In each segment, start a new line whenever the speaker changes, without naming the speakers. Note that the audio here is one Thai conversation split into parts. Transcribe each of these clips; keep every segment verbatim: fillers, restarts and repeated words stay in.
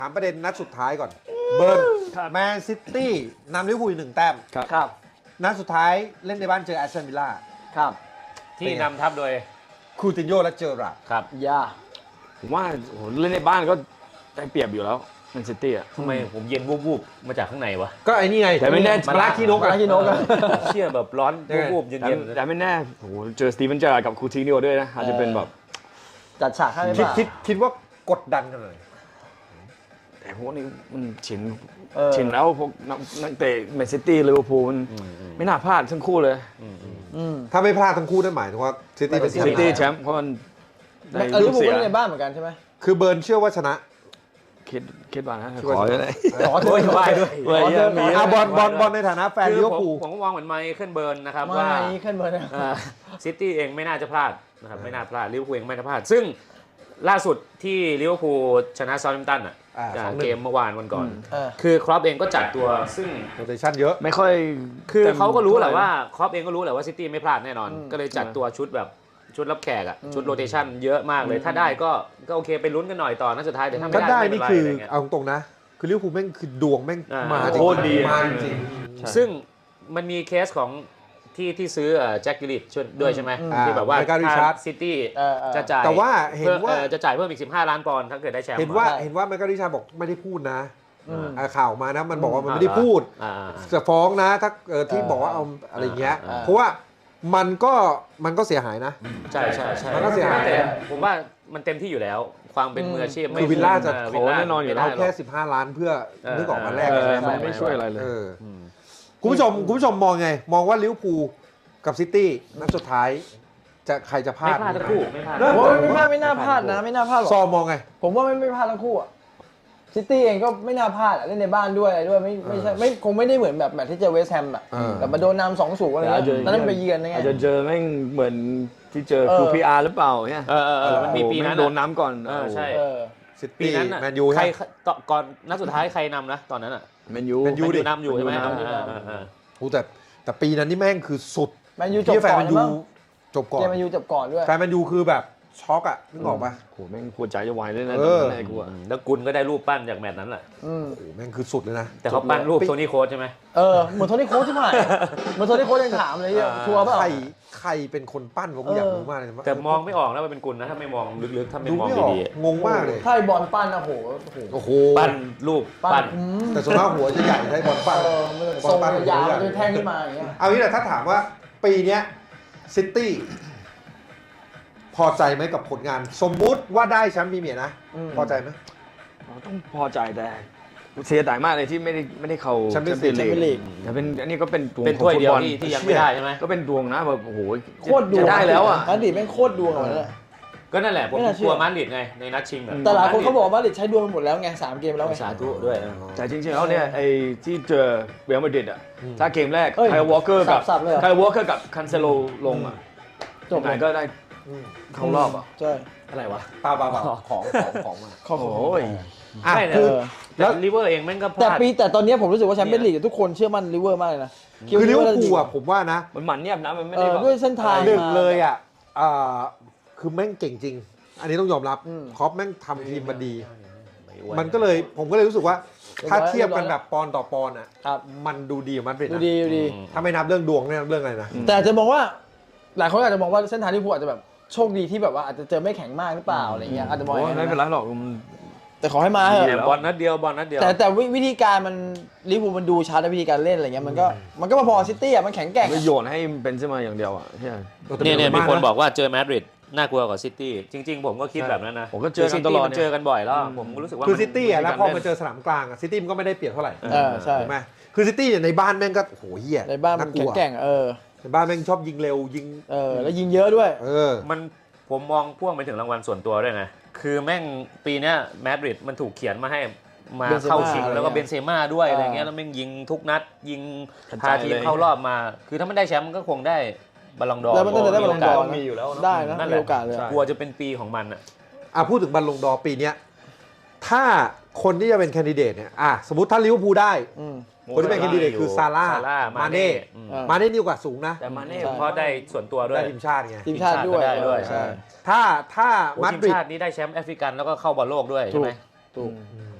ถามประเด็นนัดสุดท้ายก่อนเบิร์นแมนซิตี้นำลิเวอร์พูลหนึ่งแต้ม
ครับ
นัดสุดท้ายเล่นในบ้านเจอแอสตันวิลล่า
ครับ
ที่นำทัพโดย
คูตินโญและเจอราร์ด
ครับ
ย่า
ผมว่าโอ้โหเล่นในบ้านก็ได้เปรียบอยู่แล้วแมนซิตี้อ่ะ
ทำไมผมเย็นวูบๆมาจากข้างในวะ
ก็ไอ้นี่ไง
แต่ไม่แน่
มาลาคีนก
มา
อะ
ที่นกอะ
เชี่ยแบบร้อนวูบๆ
แต่
เย็น
แต่ไม่แน่โอ้โหเจอสตีเวนเจอร์กับคูตินโญ่ด้วยนะอาจจะเป็นแบบ
จัดฉากให้ไหม
คิด
ป่ะ
คิดคิดว่ากดดันกันเลย
แต่พวกนี้มันชิน
เออ
ชินแล้วพวกนักนักเตะแมนซิตี้ลิเวอร์พูลมันไม่น่าพลาดทั้งคู่เลย
อืม
ถ้าไม่พลาดทั้งคู่นั่นหมายถึงว่าซิตี้เป็นแชม
ซิ
ป์
ตี้แชมป์เพราะมันได้
เออลิ
ลู
เวอก ร์พูล
เสีย
ก็เล่นในบ้านเหมือนกันใช่ไหม
คือเบิร์นเชื่อว่าชนะ
คิดคิดว่านะ
คิดว่า
ขอเลย
ขอเถ
ๆ
อะ
ไหวด้วย
เว้ย
ขอเถอะ
มี
อ่ะบอลบอลบอลในฐานะแฟน
คื
ลิ
อ
เวอ
ผม
ร์พูล
ผมก็มองเหมือนไมเคิลเบิร์นนะครับ
ไม่
ว่า
ขึ้นเบอร์นะ
ซิตี้เองไม่น่าจะพลาดนะครับไม่น่าพลาดลิเวอร์พูลเองไม่น่าพลาด ซึ่งล่าสุดที่ลิเวอร์พูลชนะซาท์แฮมป์ตันอ่ะ
อ่า
จาก
สองหนึ่ง
เกมเมื่อวานวันก่อน
เออ
คือครอปเองก็จัดตัวซึ่ง
โรเตชั่นเยอะ
ไม่ค่อย
คือ
ต็ม
เขาก็รู้แหละ
ท่ไ
ว่าครอปเองก็รู้แหละว่าซิตี้ไม่พลาดแน่นอน
อืม
ก็เลยจัดตัวชุดแบบชุดรับแขกอ่ะ
อืม
ชุดโรเตชันเยอะมากเลย ถ้าได้ก็ก็โอเคไปลุ้นกันหน่อยต่อนัดสุดท้ายแต่ถ้า
ก็
ไม่ได้
ได้
ไม่เป็
นี่
นไร
คือ
อะไรเงี้ย
เอาตรงๆนะ คือลิเวอร์พูลแม่งคือดวงแม่ง
อ่าม
มาจริง
โคตรดี
มาจริง
ใช่
ซึ่งมันมีเคสของที่ที่ซื้อแจ็คกิลิชช่วยด้วยใช่ไหม
อืม
ที่แบบว่า
อ่า Michael Richards
ซิตี้
เออเออ
จะจ่าย
แต่ว่าเห็นว่า
พิ่มอ่อจะจ่ายเพิ่มอีกสิบห้าล้านปอนด์ถ้าเกิดได้แชมป์
เห็นว่า
ใช่
เห็นว่าแมคคาริชาบอกไม่ได้พูดนะ
อืม
อ่าข่าวมานะมันบอกว่ามัน
อ่า
ไม่ได้พูด
อ่า
จะฟ้องนะถ้าเออที่
เออ
บอกว่าเอาอะไรเงี้ย
อ่า
เพราะว่ามันก็มันก็เสียหายนะ
ใช่ใช่ใช่
มันก็เสียหาย
แต่ผมว่ามันเต็มที่อยู่แล้ว ความเป็นมืออาชีพ
คือวิลล่าจะ
วิลล่า
ขอแน่นอนอยู่แล้ว
เอา
ไม่ได้หร
แค่
อก
สิบห้าล้านเพื่อ
เออ
นึกออกมาแรก
เออ
ใช่ไหม
มันไม่ช่วยอะไรเลย
เออคุณผู้ชมคุณผู้ชมมองไง มองว่าลิเวอร์พูลกับซิตี้นัดสุดท้ายจะใครจะพลา
ไม่
ด
พลาดทั้งคู่ไม่พลาด
เออ
ผมว่าไม่พลาดไม่น่าพลาดนะไม่น่าพลาดหรอก
ซอมมองไง
ผมว่าไม่ไม่พลาดทั้งคู่อะซิตี้เองก็ไม่น่าพลาดอะเล่นในบ้านด้วยอะไรด้วยไม่ไม่ใช่ไม่คงไม่ได้เหมือนแบบแมตช์ที่เจอเวสต์แฮมอะ
เออ
แบบมาโดนนำสองศูนย์อะไรเงี้ยตอนนั้นไปเยือนนะไง
อาจจะเจอแม่งเหมือนที่เจอ
เออ
คูพีอาร์หรือเปล่าเนี่ย
เออเออเออมันมีปีนั้น
โดน
อะ
น้ำก่อน
เออใช่
เออ
ซิ
ปี
ตี้
นั้นน่ะ
แมนยู
ใคร
ฮะ
ต่อก่อนนัดสุดท้ายใครนำนะตอนนั้นอ่ะ
แมนยู
แมนยู
แมน
ดิ
ยูนำอยู่ใช่ไหม
แมนยูนำ
เออเออเออ
โอ้แต่แต่ปีนั้นนี่แม่งคือสุด
แมนยูจบ
ที่แฟน
ก่อ
แม
น
นยู
มั้ง
จบก่อน
เกมแมนยูจบก่อนด้วย
แฟนแมนยูคือแบบช็อกอะนึกออกปะ
โหแม่งหัวใจจะวายเลยนะ
เออ
แม่กูอะ
แล้วกุลก็ได้รูปปั้นจากแมตช์นั้นแหละ
อืม
โอ้โหแม่งคือสุดเลยนะ
แต่เขาปั้นรูปโทนี่โค้ชใช่ไหม
เออเหมือนโทนี่โค้ชที่ผ่านเหมือนโทนี่โค้ชยังถามเลยเนี่ย
อ่า
ชัวร์เปล่า
ใครใครเป็นคนปั้นผมอยากรู้มากเลยว่า
แต่มองไม่ออกนะว่าเป็นกุลนะถ้าไม่มองลึกๆถ้าไม่
ดู
มอง
ไม่ออก
ดี
งงมากเลย
ถ้าไอ้บอลปั้นนะโหโห
โอ้โห
ๆปั้นรูป
ปั้
ปั้
น
น
อืม
แต่ส่วนมากหัวจะใหญ่ใช้บอลปั้น
เออมันทรงมันยาวมันจะแท่งขึ้นมาอย่างเงี้ย
เอางี้แหละถ้าถามว่าปีเนี้ยซิตี้พอใจไหมกับผลงาน สมมุติว่าได้แชมป์พรีเมียร์นะ
อืม
พอใจไหม
เราต้องพอใจแต่เสียดายมากเลยที่ไม่ได้ไม่ได้เข้า
Champions
Champions
League
League แต่เป็นอันนี้ก็เป็นดวง
เป็น
ของ
ถ้วย
ฟุ
เดี
ต
ยว
บอล
ที่ที่ยังไม่ได้ใช่ไหม
ก็เป็นดวงนะแบบโอ้โห
โคตรดวง
จะได้แล้วอ่ะ
มาดริดแม่งโคตรดวงอะวันนั้นอะ
ก็นั่นแหละผม
ไม่น่าเชื่
ก
อ
ลัวมาดริดไงในนัดชิงอะ
แต่หลายคนเขาบอกว่ามาดริดใช้ดวงไปหมดแล้วไงสามเกมแล้วไง
สาธุด้วย
แต่จริงๆแล้วเนี่ยไอ้ที่เจอเรอัลมาดริดอ่ะถ้าเกมแรก
เอ้ย
ไคลวอลเกอร์กับ
สับๆเลยเหรอ
ไคลวอลเกอร์กับคันเซโลลงอ่ะ
จบ
ยังไงก็ได้เข้ารอบอ่ะ
ใช่
อะไรวะ
เปล่าเปล่าเปล่าของของของมา
ข้อ
โอ้
ข
โห
อ่ะ
ไม่นะ
คือ
แล้วลิเวอร์เองแม่งก็พ
แต่
ลาด
ปีแต่ตอนนี้ผมรู้สึกว่าแชมเปี้ยนลีกทุกคนเชื่อมั่นลิเวอร์มากเลยนะ
คือลิเวอร์พูลอะผมว่านะ
มันหมันเงียบนะมันไม่
เอ
ได้
อ
แบบ
ด้วยเส้นทาง
หนึ่ง
มา
เลยอ่ะอ่าคือแม่งเก่งจริง อันนี้ต้องยอมรับ
อืม
ครอปแม่งทำทีมมาดี
ไม่อ้ว
มันก็เลยผมก็เลยรู้สึกว่า
เรียบร้อย
ถ้าเทียบกันแบบปอนด์ต่อปอนด์อ่ะ
ครับ
มันดูดีกว่ามันเป็น
ดูดีดูดี
ถ้าไม่นับเรื่องดวงไม่นับเรื่องอะไรนะ
แต่อาจจะมองว่า หลายคนอาจจะมองว่าเส้นทางลิเวอร์พูลอาจจะแบบโชคดีที่แบบว่าอาจจะเจอไม่แข็งมากหรือเปล่าอะไรเงี้ยอาจจะมองอ
โอ้
ย่าง
ไม่
นั้น
เป็นไร
นะ
หรอกมัน
แต่ขอให้มาเถ
แต่
อะ
บอลนัดเดียวบอลนัดเดียว
แต่แต่วิวิธีการมันลิเวอร์พูลมันดูชัดนะวิธีการเล่นอะไรเงี้ยมันก็มันก็มาพอซิตี้อ่ะมันแข็งแกร่ง
ไม่
อะ
โยนให้เป็นเสมาอย่างเดียวอ่ะใช่
เนี่ยเนี่ยมีคนบอกว่าเจอมาดริดน่ากลัวกว่าซิตี้จริงๆผมก็คิดแบบนั้นนะ
ผมก็เจอกันตลอด
ซิมันเจอกันบ่อยแล้วผมก็รู้สึกว่า
คือ
มัน
ซิตี้อ่ะแล้วพอ
มันมีการเล่น
มาเจอสนามกลางอ่ะซิตี้มันก็ไม่ได้เปรียบเท่าไหร่
เออใช่
ถูกไหมคือซิตี้เนี่ยในบ้านแม่งก็โอ้โหเหี้ย
ในบ้านมัน
ก
แข็
ลั
ง
ว
แกร่งเออ
ในบ้านแม่งชอบยิงเร็วยิง
เออแล้วยิงเยอะด้วย
เออ
มันผมมองพ่วงไปถึงรางวัลส่วนตัวด้วยไงคือแม่งปีเนี้ยมาดริดมันถูกเขียนมาให้มา
เบนเซม่า
เข้าชิงแล้วก็
อะไรเงี้ย
เบนเซม่าด้วย
อ่า
อะไรเงี้ยแล้วแม่งยิงทุกนัดยิง
กระ
พา
จาย
ทีม
เลย
เข้ารอบมา คือถ้าไม่ได้แชมป์มันก็คงได้บอลลงดอร์
แล้วมันก็จะได้บอลลงดอร์
มีอยู่แล้วเนอะ
ได้นะ
นั่นแห
มี
ละ
โอกาสเลยอะ
กลัวจะเป็นปีของมันอ่ะ
อ่ะพูดถึงบอลลงดอร์ปีเนี้ยถ้าคนที่จะเป็นแคนดิเดตเนี่ยอ่ะสมมติถ้าลิเวอร์พูลได้
อืม
คนที่เป็นแคนดิเดตคือซาร่า
ซาร่า
มา
มา
เน่
เน่อืม
เออ
มาเน่นี่โอกาสสูงนะ
แต่มาเน่
ใช่
เพราะได้ส่วนตัวด้วย
ได้ทีมชาติไง
ทีมชาติด้วย
ทีมชาติก็ได้ด้วย
ใช่
ถ้าถ้า
โอ้
มา
ที
ด
ม
ริด
ชาตินี้ได้แชมป์แอฟริกันแล้วก็เข้าบอลโลกด้วย
ถู
ใช่
ก
ไหม
ถูก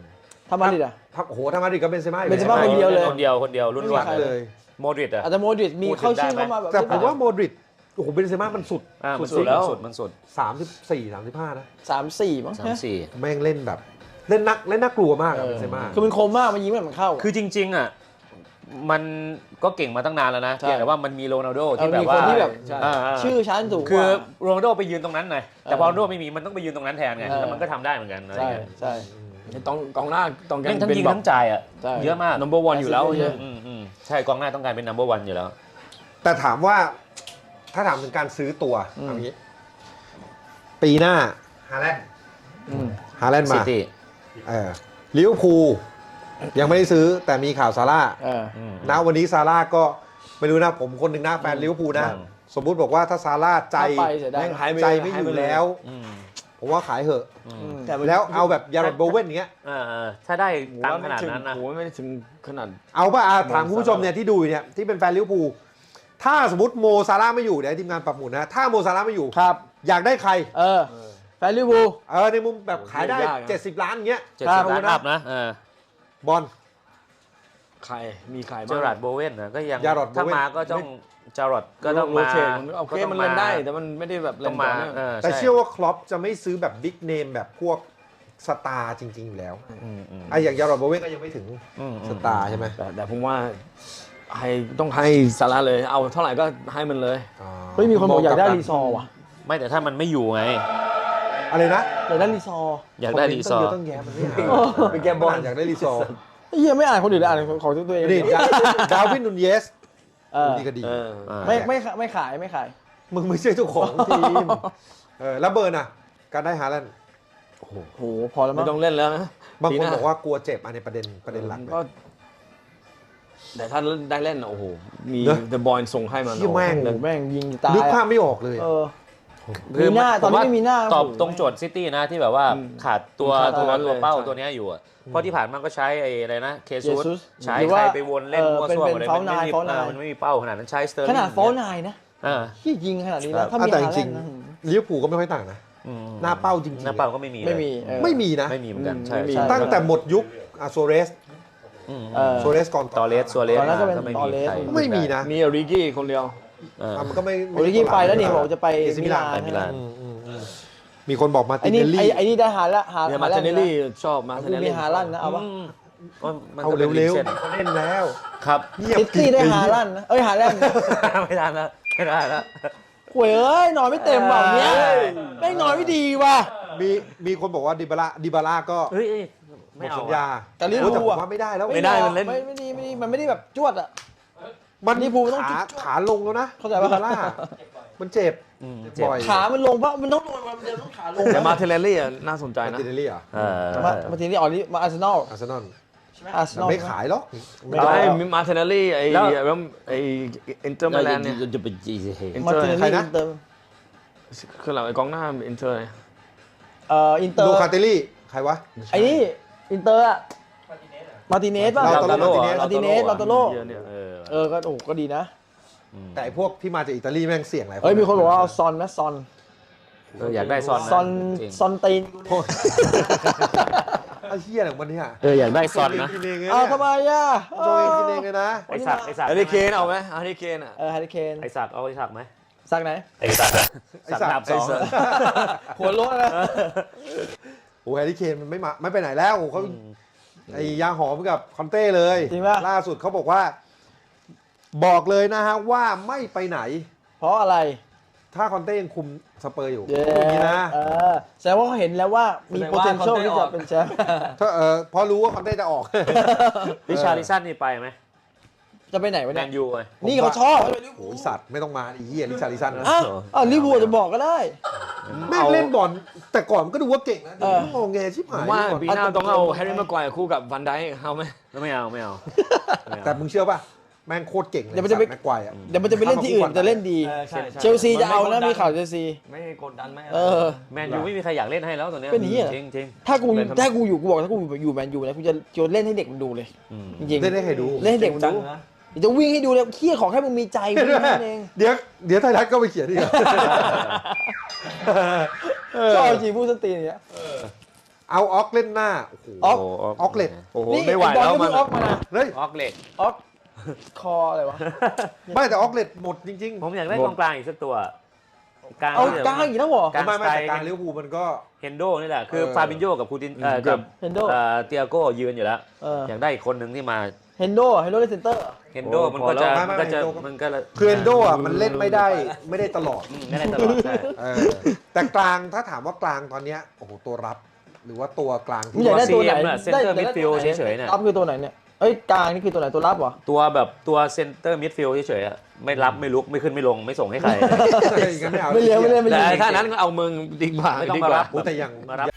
ถ้ามาดริดอ่ะ
ถ้าโอ้โหถ้ามาดริดก็เบนเซม่าอยู่
เบนเซม่าคนเดียวเลย
คนเดียวคนเดียวรุ่น
ไม่มี
วัน
ใคร
เลย
โมดริดอะ
อาจจะโมดริดมี
พูดถึง
เข้าชื่อ
ได้ไหม
เข้ามาแบบ
แต่ผมว่าโมดริดโอ้โหเบนเซม่ามันสุด
อ่ามัน
สุ
สุ
ด
ด
ๆแล้ว
สุดมันสุด
สามสิบสี่สามสิบห้านะ
สามสี่มั้ง
สามสี่
แม่งเล่นแบบ เล่นนักเล่นน่ากลัวมากอะ
เอ
เบ
อน
เซม่า
คือมันคมมากมันยิงแบบมันเข้า
คือจริงๆอ่ะมันก็เก่งมาตั้งนานแล้วนะ
ใช่
เพียงแต่ว่ามันมีโรนัลโด
เออ
ที่แบบ
มี
ว่า
คนที่แบบ
อ่าๆ
ชื่อชั้นสูงก
คือ
ว่า
โรนัลโดไปยืนตรงนั้นไงแต่พอโรนัลโดไม่มีมันต้องไปยืนตรงนั้นแทนไง
เออ
แล้วมันก็ทำได้เหมือนกันอะไร
ใช่
เงี้ย
ใช่
ต้องกองหน้าต้องการ
แม่งทั้ง
เป็น
ยิง
แบบ
ทั้งจ่ายอ่ะ
ใช่
เยอะมาก
number one อยู่แล้ว
เยอะ
อืมอืมใช่กองหน้าต้องการเป็น number one อยู่แล้ว
แต่ถามว่าถ้าถามถึงการซื้อตัว
อืม
เอางี้ ปีหน้าฮาแลนด์
อืม
ฮาแลนด์
ซิ
มา
ตี้
เออลิเวอร์พูลยังไม่ได้ซื้อแต่มีข่าวซาร่า
เออ
ณวันนี้ซาร่าก็ไม่รู้นะผมคนหนึ่งนะแฟนลิเวอร์พูลนะ
อืม
สมมุติบอกว่าถ้าซาร่าใจ
ถ้าไปเสียดาย
แม่ง
หายไป
ใจไม่อ
หายไป
ยู่
เลย
แล้ว
อืม
ผมว่าขายเหอะ
อืม
อืม
แล้วเอาแบบยาร์ดโบเว่นอย่างเงี้ย
เออๆถ้าได้
ผม
ตัง
ว่า
ค์ข
ไม่
นาด
ถึง
นั้นนะ
ผมว่าไม่ได้ถึงขนาด
เอาป่ะอ่ะถาม
โม
คุณผู้ชมเนี่ยที่ดูอยู่เนี่ยที่เป็นแฟนลิเวอร์พูลถ้าสมมติโมซาร่าไม่อยู่เดี๋ยวให้ทีมงานปรับหมุนนะถ้าโมซาร่าไม่อยู่
ครับ
อยากได้ใคร
เออแฟนลิเวอร์พูล
เออในมุมแบบขายได้
ยากอะ
เจ็ดสิบล้านอย่างเงี้ย
เจ็ด
ครั
สิ
บ
บล้านอัพนะเออบ
อล
ใครมีใคร
เจ
บ้าง
อราร์ดโบเวนนะก็ยัง
ยาร์ดโบเว่น
ถ้ามาก็ต้องจารอดก็ต้อง
โร
มา
เทตมันโอเค
ก็ต้
มั
อน ง
เล่นได้แต่มันไม่ได้แบบ
ต้
เล่
อง
น
มา
ต่อเนื่อง
เออ
แต่
ใช่
เชื่อว่าคล็อปจะไม่ซื้อแบบบิ๊กเนมแบบพวกสตาร์จริง ๆ อยู่แล้ว
อืมอืม
ไอ้อย่างยาร์ดโบเว่นก็ยังไม่ถึง
อืมอืม
สตาร์ใช่ไหม
แต่แต่ผมว่าให้ต้องให้ซาร่าเลย เอาเท่าไหร่ก็ให้มันเลย
อ๋อ
เฮ้ยมีคนบอกอยากได้รีซอร์ว่ะ
ไม่แต่ถ้ามันไม่อยู่ไง
อะไรนะ
อยากได้รีซอร์
อยากได้รีซอร์
ต้องเยะต้องแยะมันไม่หา
ไปแก้บอล
อยากได้รีซอร์
ไอ้เหี้ยไม่อ่านคนอื่นเลยอ่านของตัวเอง
นี่ดาวินนูนเยส
เออ
ดีก็ดี
เออ
อ่า
ไม่ไม่ไม่ขายไม่ขาย
มึงไม่ใช่เจ้าของทีมเออแล้วเบิร์นอ่ะ การได้ฮาแลนด์
โอ้โหพอแล้วมั้
ไม่
ง
ต้องเล่นแล้วนะ
บาง
ปี
ค
ห
น
น้า
บอกว่ากลัวเจ็บอันในประเด็นประเด็นหลักเลย
ก็แต่ถ้าได้เล่นน่ะโอ้โห มี
เนอะ
เดอะบอยส่งให้มัน
เหี้ยแม่ง
โอ้โหแม่งยิงตาย
นึกภาพไม่ออกเลย
เออ
คือ
มีหน้าตอนนี้
ผว่
ไม่มีหน้า
ตอบ
โอ้โห
ตรงโจทย์ซิตี้นะที่แบบว่าขาดตัว
ขาดตั
ตัว ว
นั้นเลย
ตัวเป้า
ใช่
ตัวเนี้ยอยู่อะเพราะที่ผ่านมาก็ใช้ไอ้อะไรนะเคซูส
Jesus
ใช้
หรือ
ใคร
ว่า
ไปวนเล่น
เออ
มั่ว
เป็น
ซั่ว
เป็น
หมดเลย
เฝ้า
มันไม่มี
นายเฝ้านาย
เออมันไม่มีเป้าขนาดนั้นใช้สเตอร์ลิ
ข
ง
นาดฟอลนายนะ
อ่า
ที่ยิงขนาดนี้นะถ้า
อ่ะ
มี
แต่
ฮา
จ
แล
ริง
นด์นะ
ๆลิเวอร์พูลก็ไม่ค่อยต่างนะ
อืม
หน้าเป้าจริงๆ
หน้าเป้าก็ไม่มี
ไม่มีเออ
ไม่มีนะ
ไม่มีเหมือนกัน
อืม
ใช่
ไม่มี
ใช่
ตั้งแต่หมดยุคอาโซเรส
อืม
เออ
โซเรสก่อน
ตอเลสซัวเรส
ตอนนั้นก็เป็น
ไม่
ตอ
มี
เลส
ใคร
ไม่มีนะ
มีอริกี้คนเดียว
เออ
อ่ะมันก็ไม่
โอริกี้ไปแล้วนี่บอกจะไป
เอซิมิลาน
มิลาน
มิลาน
อืมอืมอืมมีคนบอกมาติ
ไอ้
น
นี่
เนล
ไอ้
ลี่
ไอ้นี่ได้ฮาละฮา
เนี่ย
ฮา
มา
แล
เท
น
เน
ด์
ลลี่
นะ
ชอบมาเท
กู
เนล
มี
ลี่
ฮาลันด์นะเอาปะ
อืมว่ามัน
เอา
ก็เป็น
เร็ว
ลิงก์
ๆเล่นแล้ว
ครับ
เงียบ
ซิตี้ได้ฮาลันด์นะเอ้ยฮาแลนด์
ไม่ได้แล้วไม่ได้แล้ว
หวยเอ้ยนอนไม่เต็มแบบเนี้ย
เอ้ย
แม่งนอนไม่ดีว่ะ
มีมีคนบอกว่าดิบาร่าดิบาร่าก็
เฮ้ยเอ้ย
หม
ไม่
ด
เอา
สัญ
อะ
ญา
แต่ลิเวอร์พูล
โอ้แต่ผม
อะ
ว่าไม่ได้แล้ว
ไม่ได้มันเล่น
ไม่ไม่ดีไม่ดีมันไม่ได้แบบจวดอ่ะ
มัน
ลิเวอร์พูลต้อง
ขา
จุดๆ
ขาลงแล้วนะ
เข้าใจปะ
ดิบาร่ามันเจ็บ
อืมเจ็บ
บ่อย
ขามันลงปะมันต้องลงมันเดินต้องขาลง
แต่มาเทเนลลี่อะน่าสนใจ
มา
นะ
ตินเนลลี่เหรอ
เออ
มามาทีนี้อ๋อนี่มาอาร์เซนอล
อาร์เซนอล
ใช่ไหมอาร์เซนอล
ไม่ขายหรอก
ไม่
ไอ้
ได้
มีมาเทเนลลี่ไอ้
แล้ว
ไอ้อินเตอร์มิลานเนี่ย
จะเป็นจีเฮ
อิน
มา
เตอร์
ทีนี้
ใครนะ
อินเตอร์
คือเราไอ้กองหน้าอินเตอร์เนี่ย
เอ่ออินเตอร์
ดูคาเตลี่ใครวะ
ไอ้นี่อินเตอร์อะมาติเนสป่ะ
ลาตาโร่
มาติเนสลาตาโร่
เยอะเนี่ย
เออ
เออก็โอ้ก็ดีนะ
แต่ไอ้พวกที่มาจากอิตาลีแม่งเสี่ยงหลาย
เฮ้ยมีคนบอกว่าเอาซอนนะซอน
เอออยากได้ซอนนะ
ซอน
จริง
ซอนตีน
โทษไอ้เหี้ยอะไรของมันเนี่ย
เอออยากได้ซอนนะ
กินเองเลย
อ้าว
เนี่ย
ทำไมอ่ะ
โจเองกินเองเลยนะ
ไอสักไอสัก
ฮาริเคนเอาไหมฮาริเคนอ่ะ
เออฮาริเคน
ไอสักเอาไอสักไหม
สักไหน
ไอสักอะ
ไอ้
สัก
สัก
ดาบสอง
ไอ้สัก
หัวโล้นนะ
โอ้แฮร์รี่เคนมันไม่มาไม่ไปไหนแล้วเขาไอ้ยาหอมกับคอนเต้เลย
จริงป่ะ
ล่าสุดเขาบอกว่า บอกเลยนะฮะว่าไม่ไปไหน
เพราะอะไร
ถ้าคอนเต้ยังคุมสเปอร์อยู่
เย้
อย่างนี้นะ
เออแสดงว่าเขาเห็นแล้วว่ามี
แสดงว่า
potential
คอนเต้
ที่
อ
จะ
อก
เป็นแชมป์
ถ้าเออพอรู้ว่าคอนเต้จะออก
ริชาร์ลิสันนี่ไปไหม
จะไปไหนวะ
แม
เนี่ย
นยูไง
นี่เขาชอบ
โอ้ยสัตว์ไม่ต้องมาไอีเหี้ยลิชาริสัน
อ่ะอ่ะลิเวอร์พูลจะบอกก็ได้
แม่งเล่นบอลแต่ก่อนมันก็ดูว่าเก่งนะ
เออ
งงแงชิบ
ผ
หาย
มว่า
ก่อน
ปีหน้าต้องเอาแฮร์รี่แม็กไกวร์คู่กับvan นไดเอาไหม
แล้วไม่เอาไม่เอาไม่เอา
แต่มึงเชื่อป่ะแม่งโคตรเก่งเลย
เดี๋ยวมันจะไป
แม็กควายอ่ะ
เดี๋ยวมันจะไปเล่นที่อื่นจะเล่นดี เชลซีจะเอานะมีข่าวเชลซี
ไม่กดดันไม่
เออ
แมนยูไม่มีใครอยากเล่นให้แล้วตอนเนี้ย
เป็นอย่างนี้เหรอ
จริงจริง
ถ้ากู
เล่นทำไม
ถ้ากูอยู่กูบอกถ้ากูอยู่แมนยูนะกูจะจะเล่นให้เด็กมันดูเลย
อืม
จริงๆ
เล่นให้ใครดู
เล่นให้เด็กมันดูเดี๋ยวจะวิ่งให้ดูเลยเคี้ยขอแค่มึงมีใจวิ่งแค่นั้นเอง
เดี๋ยวเดี๋ยวไทยรัฐก็ไปเขียนอีก
ชอบจริงพูดสนตีนอย่างเงี้ย
เอาออกเล่นหน้าโอ้โห
ออก
โ
ออกเล็ต
โอ้โห
นี่
ไม่ไหว
บอล
แล้ว
ก็
มั
เพิ่
น
งออกมานะ
เฮ้ย
ออกเหล็ก
ออกคออะไรวะ
ไม่แต่ออกเล็ตหมดจริง
ผมอยากได้กองกลางอีกสักตัวกลาง
เอา
ที่
กลางอีกแล้วเหรอ
ๆไม่ไม่แต่กลางลิเวอร์พูลมันก็
เฮนโดนี่แหละคือ
เออ
ฟาบินโญกับคูตินเอ่อ
อืม
กับ
เฮนโด
เอ่อเตียโก้ยืนอยู่แล้ว
เออ
อยากได้อีกคนหนึ่งที่มา
เฮนโดเฮนโดเล่นเซนเตอร์
เฮนโด
โอ้
มัน
พอ
ก็จะ
แล้ว
มันก็จะ
ไม่ไม่
มันก็ละ
คือเอนโดอ่ะมันเล่นไม่ได้ไม่ได้ตลอด
อืมไม่ได้ตลอดใช่
เออแต่กลางถ้าถามว่ากลางตอนเนี้ยโอ้โหตัวรับ หรือว่าตัวกลาง
มึง
ที่
อยากได้
ว่า
ตัวไหน
ซีเอ็มอะ center midfield เฉยๆเนี่ย
รับคือตัวไหนเนี่ยเอ้ยกลางนี่คือตัวไหนตัวรับเหรอ
ตัวแบบตัวเซนเตอร์มิดฟิลด์เฉยๆอะไม่รับไม่ลุกไม่ขึ้นไม่ลงไม่ส่งให้ใคร
อย่างนั้นไม่เอา
ไม่เลี้ยงไม่เล่นไม่
แต่
ยิง
ถ้านั้นก็เอามึงดีกว่า
ไม่ต้อง
ดี
มาก
ว่า
รับ
โอ้แต่อย่าง
มารับ